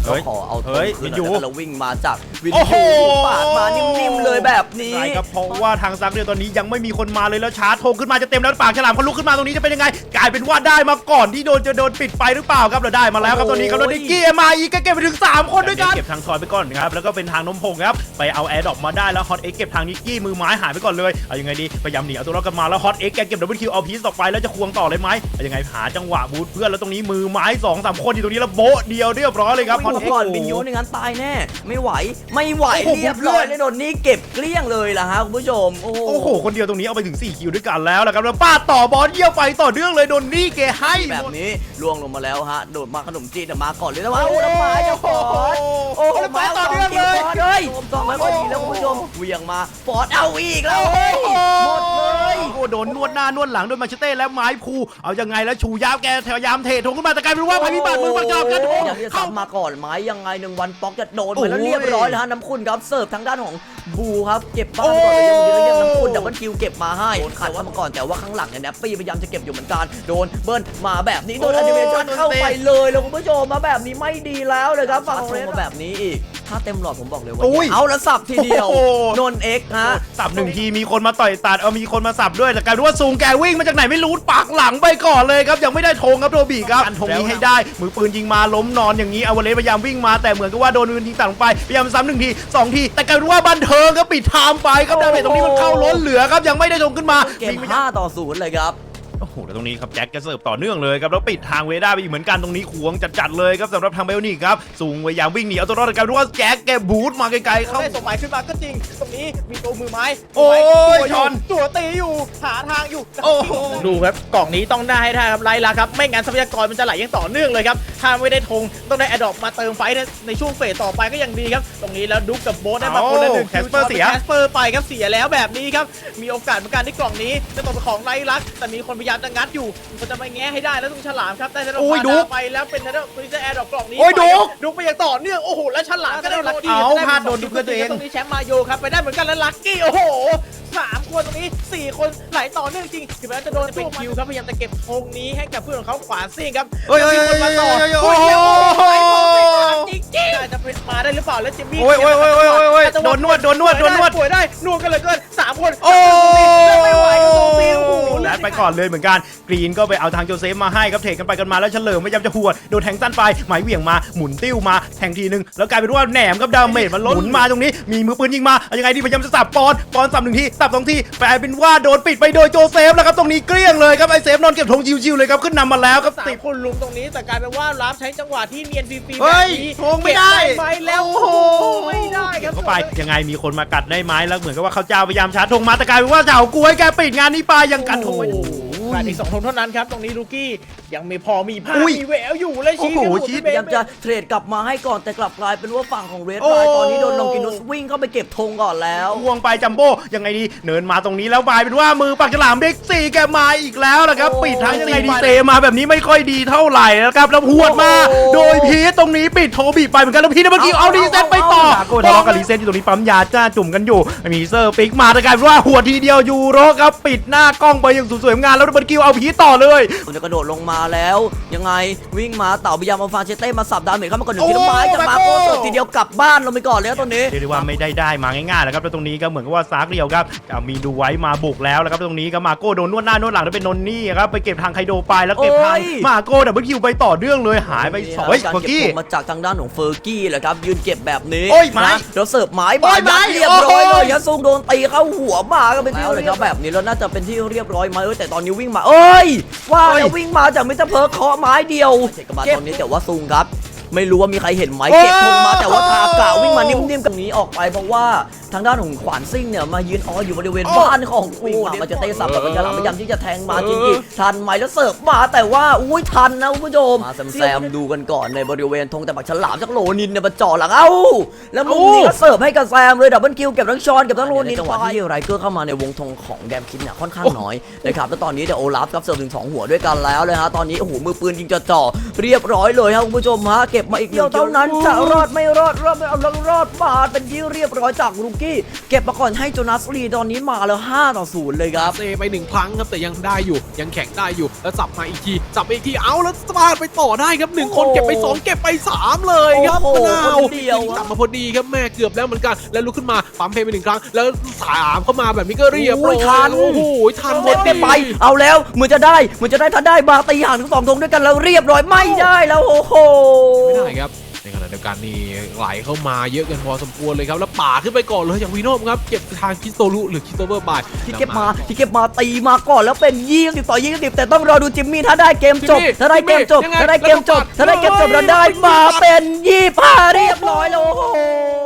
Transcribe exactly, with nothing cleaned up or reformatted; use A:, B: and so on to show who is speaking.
A: ก็ขอเอาตัวคืนแล้ววิ่งมาจากวิน
B: โอ้โห
A: ปาดมานิ่มๆเลยแบบนี้
B: ใช่ครับเพราะว่าทางซักเนี่ยตอนนี้ยังไม่มีคนมาเลยแล้วชาร์จโทงขึ้นมาจะเต็มแล้วปากฉลามเขาลุกขึ้นมาตรงนี้จะเป็นยังไงกลายเป็นว่าได้มาก่อนที่โดนจะโดนปิดไปหรือเปล่าครับเราได้มาแล้วครับตอนนี้ครับแล้วดิกกี้เอ็มไอก็เก็บไปถึงสามคนด้วยกันเก็บทางทอยไปก่อนครับแล้วก็เป็นทางนมพงครับไปเอาแอร์ดรอปมาได้แล้วฮอตเอ็กเก็บทางนิกกี้มือไม้หายไปก่อนเลยเอายังไงดีพยายามหนีเอาตัวรอดกันมาแล้วฮอตเอ็กแกเก็บดับเบิลคิวเอาพีซต่อไปแล้วจะควงต่อเลยไหมเอายังไงหาจังหวะบูทเพื่อนแล้วตรงนี้มือไม้สองสามคนอยู่ตรงนี้แล้วโบ๊ะเดียวเรียบร้อยเลยครับฮอตเอ็ก
A: ก่อนบินยูในงั้นตายแน่ไม่ไหวไม่ไหวเรียบร้อยเลยโดนนี่เก็บเกลี้ยงเลยล่ะฮะคุณผู้ชมโอ้
B: โหคนเดียวตรงนี้เอาไปถึงสี่คิวด้วยกันแล้วนะครับแล้วป้าต่อบอลเยี่ยวไปต่อเนื่องเลยโดนนี่เกให้
A: แบบนี้ล่วงลงมาแล้วฮะโดดมาขนมจีนแต่มาก่อนเลยนะว่าโอ้ไม้จะฟอร์ดโอ้ไม้ต่อเนื่องเลยเลยต้องไม่ค่อยดีแล้วคุณผู้ชมเวียงมาฟอร์ดเอาอีกแล้วหมดเลย
B: โอ้โดนนวดหน้านวดหลังด้วยมาเชเต้แล้วไม้พูเอายังไงแล้วชูยาวแกพยายามเททงขึ้นมาแต่กลายเป็นว่าภัยพิบัติมือประจอบกัน
A: อย่างที่ซ้ำมาก่อนไม้ยังไงหนึ่งวันป๊อกจะโดนไปแล้วเรียบร้อยแล้วฮะน้ำคุณครับเสิร์ฟทางด้านของบูครับเก็บบ้านก่อนเลยยังดีแล้วยังน้ำคุณดับเบิลคิวเก็บมาให้ขัดว่ามาก่อนแต่ว่าข้างหลังเนี่ยแนปปี้พยายามจะเก็บอยู่เหมือนกันโดนเบิ้ลมาแบบนี้โดนแอนิเมชันเข้าไปเลยแล้วคุณผู้ชมมาแบบนี้ไม่ดีแล้วเลยครับฝั่งเรนมาแบบนี้อีกถ้าเต็มหลอดผมบอกเลยว่าเอาแล้วสับทีเดียวนนเอ็กฮะ
B: สับหนึ่งทีมีคนมาต่อยตัดเอามีคนมาสับด้วยแต่กลายเป็นว่าซูงแกวิ่งมาจากไหนไม่รู้ปักหลังไปก่อนเลยครับยังไม่ได้ธงครับโรบีครับอันธงนี้ให้ได้มือปืนยิงมาล้มนอนอย่างนี้อวเลสพยายามวิ่งมาแต่เหมือนกับว่าโดนปืนยิงตัดลงไปพยายามซ้ำหนึ่งทีสองทีแต่กลายเป็นว่าบันเทิงก็ปิดไทม์ไปครับดาเมจตรงนี้มันเข้าล้นเหลือครับยังไม่ได้ธงขึ้นมา
A: เกมห้าต่อศูนย์เลยครับ
B: โอ้โหแล้วตรงนี้ครับแจ็คจะเสิร์ฟต่อเนื่องเลยครับแล้วปิดทางเวด้าไปอีกเหมือนกันตรงนี้ขวงจัดๆเลยครับสำหรับทางเบลนี่ครับสูงพยายามวิ่งหนีเอาตัวรอดกันดูว่าแจ็คแกบูทมาไกลๆเข้า
C: ได้สมัยขึ้นมาก็จริงตรงนี้มีตัวมือไม้
B: โอ้ยชอน
C: ตัวตีอยู่หาทางอยู่
B: โอ้โห
C: ดูครับกล่องนี้ต้องได้ให้ได้ครับไล่ละครับไม่งั้นทรัพยากรมันจะไหลยังต่อเนื่องเลยครับถ้าไม่ได้ธงต้องได้แอดดอปมาเติมไฟในช่วงเฟสต่อไปก็ยังดีครับตรงนี้แล้วดุ๊กกับโบ๊ทได้มาคนละหนึ่ง
B: แคสเปอร์เสีย
C: แคสเปอร์ไปครับเสียแล้วแบบนี้ครับมีโอกาสเหมือนกันที่กล่องนี้จะตกเป็นของไล่ลักแต่มีคนพยายามจะงัดอยู่มันจะไปแง้ให้ได้แล้วต้องฉลามครับได้แล้วไปแล้วเป็นแล้วคุยจะแอร์ดรอปกล่องนี้
B: โอ้ยดุ๊ก
C: ดุ๊กไปอย่างต่อเนื่องโอ้โหแล้วฉลามก็ได้ลัคกี้
B: เอาพลาดโดนดุ๊กเพื่อตัวเอง
C: ตรงนี้แชมป์มาโยครับไปได้เหมือนกันแล้วลัคกี้โอ้โหสามคนตรงนี้สี่คนไหลต่อเนื่องจริงถึงแม้จะโดนเป็นคิวครับพยายามจะเก็บธงนี้ให้กับเพื่อนของเขาขวาซิ่งครับ
B: เฮ้ยมีคนมาต่อ
C: โอ้ยจริงจริงจะเป็นมาได้หรือเปล่าแล้วจิมมี่
B: โอ้ยโอ้ยโอ้ยโอ้ยโอ้ยโดนนวดโดนนวดโดนนวด
C: ป่วยได้นวดกันเลยเกินสามคน
B: โอ้
C: ไม่ไหวโอ้โห
B: แล้วไปก่อนเลยเหมือนกันกรีนก็ไปเอาทางโจเซฟมาให้ครับเทกันไปกันมาแล้วเฉลิมพยายามจะหัวโดนแทงสั้นไปหมายเหวี่ยงมาหมุนติ้วมาแทงทีนึงแล้วกลายเป็นว่าแหนมกับดาเมจมันล้นหมุนมาตรงนี้มีมือปืนยิงมายังไงดีพยายามจะสับปอนปอนสับหนึ่งทีสับสองทีกลายเป็นว่าโดนปิดไปโดยโจเซฟแล้วครับตรงนี้เกลี้ยงเลยครับไอเซฟนอนเก็บธงชิวๆเลยครับขึ้นนำมาแล้วครับ
C: ติดคนลุมตรงนี้แต่กลายเป็นว่ารับใช้จังหวะที่เนียนฟรีๆ
B: แบบนี้ธงไม่ได้
C: ไปแล้วโอ้โหไม่ได้ครับ
B: เข้าไปยังไงมีคนมากัดได้ไหมแล้วเหมือนกับว่าเขาเจ้าพยายามชาร์จธงมาแต่กลายเป็นว่าเจ้ากล้วยแกปิดงานนี้ไปยังกันธง
C: ขาดอีกสองธงเท่านั้นครับตรงนี้ลูกี้ยังไม่พอมีภาพมีแววอยู่เลย
A: ชี้พยายามจะเทรดกลับมาให้ก่อนแต่กลับกลายเป็นว่าฝั่งของเรดไฟตอนนี้โดนลองกินุสวิ่งเข้าไปเก็บธงก่อนแล้ว
B: วงไปจัมโบ้ยังไงดีเนินมาตรงนี้แล้วบายเป็นว่ามือปากฉลามเด็กสี่แกมาอีกแล้วนะครับปิดทางยังไงดีเซมาแบบนี้ไม่ค่อยดีเท่าไหร่นะครับแล้วหวดมาโดยพีทตรงนี้ปิดโทบีไปเหมือนกันแล้วพีทเมื่อกี้เอารีเซ็ตไปต่อโก้ทะเลาะกับรีเซ็ตอยู่ตรงนี้ปั๊มยาจ้าจุ่มกันอยู่มีเซอร์ปิกมาแต่กลายเป็นว่าหัวทีเดียวยูโรครับปิดหน้ากล้องไปอย่างสวยๆงานแล้วดับเบิลคิวเอาพีทต่อเลย
A: มันจะกระโดดลงมาแล้วยังไงวิ่งมาเต่าพยายามเอาฟาเชเต้มาสับดาเมจเข้ามาก่อนหนึ่งทีละไม้จะมาโก้เสิร์ฟทีเดียวกลับบ้านลงไปก่อนแล้วตรงนี้
B: เรียกว่าไม่ได้ได้มาง่ายๆแล้วครับแล้วตรงนี้ก็เหมือนกับว่าซากเรียวครับมีดูไว้มาบุกแล้วแล้วครับตรงนี้ก็มาโก้โดนนวดหน้านวดหลังแล้วเป็นนนนี่ครับไปเก็บทางไคโดไปแล้วเก็บทางมาโก้ดับเบิลคิวไปต่อเนื่องเลยหายไปสองเฟอร์กี้
A: มาจากทางด้านของเฟอร์กี้แหละครับยืนเก็บแบบนี้
B: นะ
A: แล้วเสิร์ฟไม้บอลเรียบร้อยเลยยัดซุงโดนตีเข้าหัวมาก็เป็นที่เลยครับแบบนี้แล้วน่าจะเป็นที่เรียบร้อยไหมแต่ตอนนี้วิ่งมาเอ้ยว่าแล้ววิ่งมาจากมิสเตอร์เพิร์คเคาะไม้เดียวเก็บมาตอนนี้แต่ว่าซุงครับไม่รู้ว่ามีใครเห็นไหมเก็บธงมาแต่ว่าทากะวิ่งมานิ่มๆกับนี้ออกไปเพราะว่าทางด้านของขวานซิ่งเนี่ยมายืนอ๋ออยู่บริเวณบ้านของกูมาจะเตะสับกับเป็นกระหล่ำพยายามที่จะแทงมาจริงๆทันไหมแล้วเสิร์ฟมาแต่ว่าอุ้ยทันนะคุณผู้ชมมาแซมดูกันก่อนในบริเวณธงแต่บักฉลามจากโลนินเนี่ยมาจ่อหลังเอ้าแล้วมุมนี้ก็เสิร์ฟให้กับแซมเลยดับเบิลคิวเก็บทั้งชอนเก็บทั้งโลนินจังหวะที่ไรเกอร์เข้ามาในวงธงของแดมคิดเนี่ยค่อนข้างน้อยนะครับแล้วตอนนี้เดี๋ยวโอลาฟครับเสิร์ฟถึงสองหัวด้วยกันแล้วเลยฮะตอนนี้โอ้โหมือปืนยิงจะจ่อเรียบร้อยเลยครับคุณผู้ชมฮะเก็บบมาอีกเดียวเท่านั้นจะรอดไม่รอดรอดไม่เอาแล้วรอดมาเป็นที่เรียบร้อยจากลูกี้เก็บมาก่อนให้โจนาสลีตอนนี้มาแล้วห้าต่อศูนย์เลยครับ
D: เซไปหนึ่งครั้งครับแต่ยังได้อยู่ยังแข็งได้อยู่แล้วสับมาอีกทีสับมาอีกทีเอาแล้วสปาดไปต่อได้ครับหนึ่งคนเก็บไปสองเก็บไปสามเลยครับ
A: โอ้
D: มะ
A: โห
D: นาว
A: คนเดียว
D: กลับมาพอดีครับแม่เกือบแล้วเหมือนกันแล้วลุกขึ้นมาปั๊มเพลย์ไปหนึ่งครั้งแล้วสามเข้ามาแบบนี้ก็เรียบร้อย
A: โอ้ยทัน
D: โอ้โหทันพอ
A: เก็บ
D: ดี
A: ไปเอาแล้วเหมือนจะได้เหมือนจะได้ถ้าได้มาตีห่างทั้งสองธงด้วยกันแล้วเรียบร้อยไม่ได้แล้วโอ้โห
D: ไม่ได้ครับในขณะเดียวกันนี่ไหลเข้ามาเยอะกันพอสมควรเลยครับแล้วป่าขึ้นไปก่อนเลยอย่างวีโน่ครับเก็บทางคิสโตรุหรือคิสโตเวอร์บาย
A: ที่เก็บมาที่เก็บมาตีมาก่อนแล้วเป็นยี่สิบต่อยี่สิบแต่ต้องรอดูจิมมี่ถ้าได้เกมจบ
D: จิมมี่
A: ถ้าได้เกมจบ
D: ยังไง
A: ถ้าได้เกมจบ
D: แล้วก็ปัด
A: ถ้าได้เกมจบแล้วได้มาเป็นยี่สิบห้าเรียบร้อยแล้วโอ้โห